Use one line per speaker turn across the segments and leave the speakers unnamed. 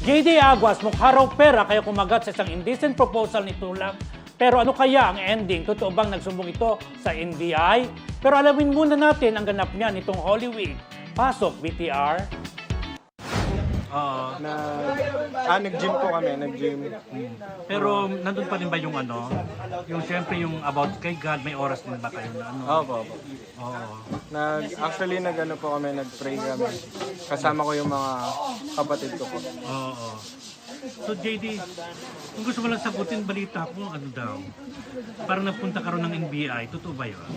JD Aguas, mukha raw pera kaya kumagat sa isang indecent proposal ni Tulang. Pero ano kaya ang ending? Totoo bang nagsumbong ito sa NBI? Pero alamin muna natin ang ganap niya nitong Holy Week. Pasok, BTR.
Nag-gym po kami, nag-gym.
Pero nandun pa rin ba yung ano? Yung syempre yung about kay God, may oras din ba kayo na ano?
Opo.
Oo.
Actually, nag-ano po kami, nag-pray kami. Kasama ko yung mga kapatid ko po.
Oo. So JD, kung gusto mo lang sagutin, balita ko ano daw. Parang napunta ka rin ng NBI, totoo ba yun?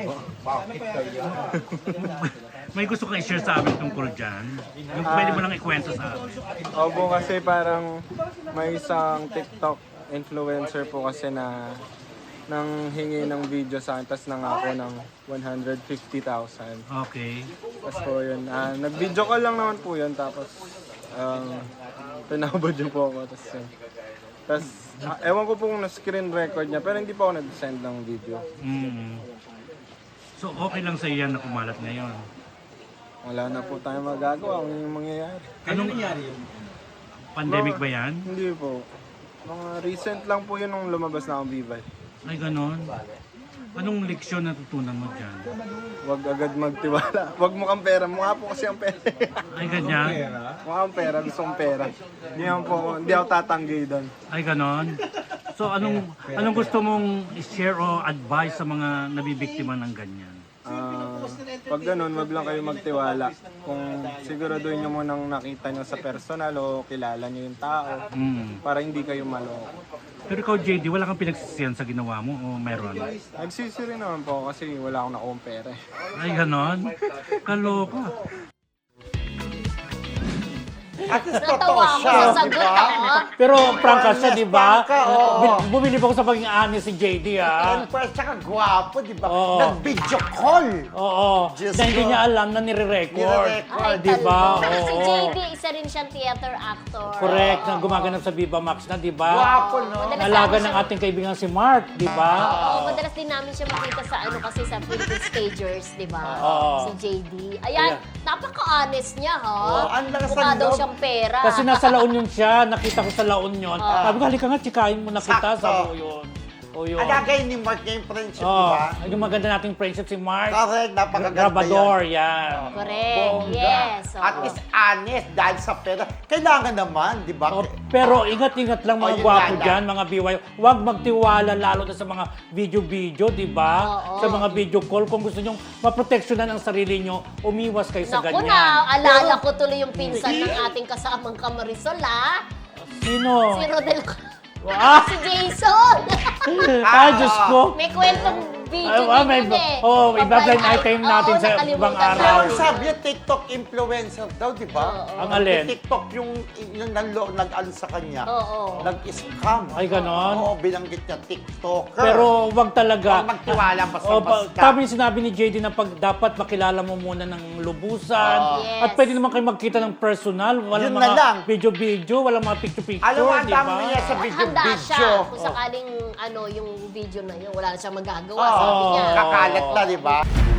May gusto kang i-share sa amin tungkol dyan? Yung pwede mo lang ikwento sa amin.
Opo, kasi parang may isang TikTok influencer po kasi na nang hingi ng video sa akin, tapos nangako ng 150,000.
Okay.
Tapos po yun, nag-video call lang naman po yun, tapos tinabod yun po ako. Tapos, ewan ko po kung na-screen record niya, pero hindi po ako nag-send ng video.
So okay lang sa yan na kumalat ngayon?
Wala na po tayo magagawa kung yung mangyayari.
Anong nangyari yun? Pandemic ba yan?
Hindi po. Mga recent lang po yun nung lumabas na akong Viva.
Ay ganon? Anong leksyon na tutunan mo dyan?
Huwag agad magtiwala. Huwag mo kang pera. Mukha po kasi ang pera.
Ay ganyan?
Mukha ang pera. Gusto kong pera. Hindi ako tatanggi doon.
Ay ganon? So anong gusto mong i-share o advice sa mga nabibiktima ng ganyan?
Pag ganun, wag lang kayo magtiwala. Kung siguraduhin nyo munang nakita nyo sa personal o kilala nyo yung tao para hindi kayo maloko.
Pero ikaw JD, wala kang pinagsisiyan sa ginawa mo o meron?
Nagsisi rin naman po kasi wala akong nakuha pera.
Ay ganon? Kaloka.
At least
Natawa
totoo
ako
siya,
sa
di
sagot,
ba?
Pero prangka siya, di ba?
Prangka, oo.
Bumili ako sa pagiging honest si JD, ah.
And first, tsaka gwapo, di ba?
Oo.
Nag-video call.
Oo.
Diyos
Na hindi
ko.
niya alam na nire-record.
Nire-record.
Ay,
Di ba?
talbog. Si
Oo.
JD, isa rin siyang theater actor.
Correct, na gumaganap sa Viva Max na, di ba?
Gwapo, no?
Madalas
Nalaga
namin
ng
siya-
ating kaibigan si Mark, di ba?
Oo, madalas din namin siya makita sa kasi sa Philippine Stagers, di ba?
Oo.
Si JD. Ayan, napaka-honest niya, ha?
Oo, ang lakas
Mukha
ng
daw
loob.
siyang pera.
Kasi nasa La Union siya, nakita ko sa La Union. Sabi ko, halika nga, tsikahin mo na kita
Sakto.
sa La Union. O yun.
Alagay ni Mark niya yung friendship, di
Oh,
ba?
yung maganda nating friendship si Mark.
Correct, napakaganda
Grabador,
yan.
yan.
Correct,
Bongga.
yes. oo.
At least honest dahil sa pera. Kailangan naman, di ba?
Oh, pero ingat-ingat lang mga
yun
gwapo
nga
dyan, mga BY. Huwag magtiwala lalo na sa mga video-video, di ba?
Oo.
Sa mga video call. Kung gusto nyong maproteksyonan ang sarili nyo, umiwas kayo sa
Naku
ganyan.
na, alala ko tuloy yung pinsan ng ating kasamang Kamarisol, ha?
Sino?
Si Rodel.
Ah!
Si Jason!
Ay, Diyos ko.
May kwentong video
May,
din eh.
iba-blind item natin
Oo,
sa
nakalimutan
ibang
ko.
araw.
Pero sabi niya, TikTok influencer daw, di ba?
Ang alin?
TikTok yung nag-ano sa kanya.
Oo.
Nag-scam.
Ay, ganon?
Oo, binanggit niya TikToker.
Pero wag talaga.
Huwag magtiwala
O,
basta-basta.
Sabi yung sinabi ni JD na pag dapat makilala mo muna ng lubusan.
Yes.
At pwede naman kayo magkita ng personal. Walang
Yun na lang.
mga video-video, walang mga picture-picture,
Alam mo, ang
di ba?
dami niya sa
Handa siya
video-video.
kung sakaling yung video na yun, wala na siyang magagawa,
Oo.
sabi niya.
Kakalat na, di ba?